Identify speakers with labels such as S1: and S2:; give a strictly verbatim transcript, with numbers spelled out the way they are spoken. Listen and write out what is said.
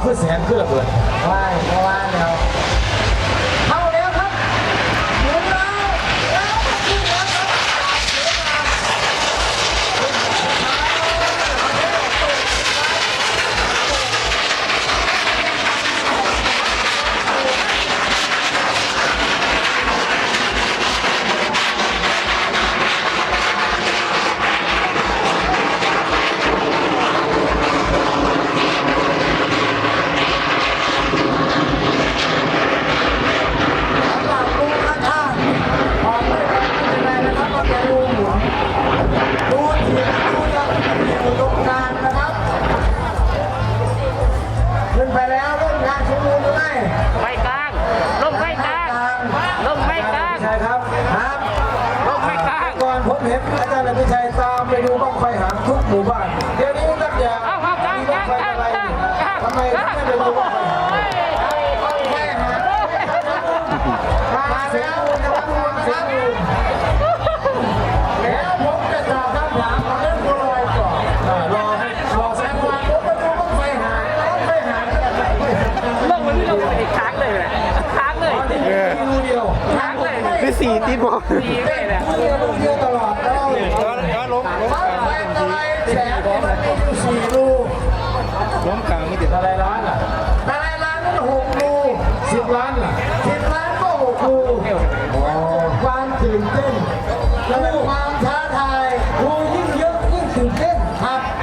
S1: พื่อแสนเพื่อระเบิด
S2: ว่ายเพราะว่าแล้วเข้าแล้วครับหมุนแล้วแล้วขึ้นแล้วครับขึ้นไปแล้วเล่นงานชูมือหรือไม่
S3: ไว้กลางลงไว้กลางลงไว้กลาง
S2: ใช่ครับครับ
S3: ลงไว้กลาง
S2: ก่อนผมเห็นอาจารย์อภิชัยตามไปดูบ้างไฟหางทุกหมู่บ้านเดี๋ยวนี้นักอย่าง
S3: เอาเอากลาง
S2: มี
S3: ก
S2: บ้า
S3: ลาง
S2: ไฟ
S3: กลาง
S2: อะไร
S3: กลาง
S2: ทำไมถึงไม่ไปดูบ้างไฟหางบ้างไฟหางมาแล้วนะครับมาแล้วแล้วผมจะตอบคำถามของเรื่องบัวลอยก่อนรอให้รอสักวันผมไปดูบ้างไฟหางบ้างไฟหางกันไหน
S3: ลงวันนี้เราไปค้างเลยแหละค้างเลย
S2: ดูเดียว
S3: ค้างเลย
S4: คือสีติดบอล
S3: ดีเลยแหละ
S2: ดูเดียวดูเดียวตลอดเลย
S4: ย้อนล้มล้ม
S2: บ้างไฟอะไรแสงมันมีอยู่สี่รู
S4: ล้มกลางไม่ติด
S1: อะไรร้านอ่ะ
S2: อะไรล้านนั่นหกรู
S1: สิบล้านอ่ะ
S2: สิบล้านก็หกรูความตื่นเต้นและความท้าทายรูยิ่งเยอะยิ่งตื่นเต้นครับ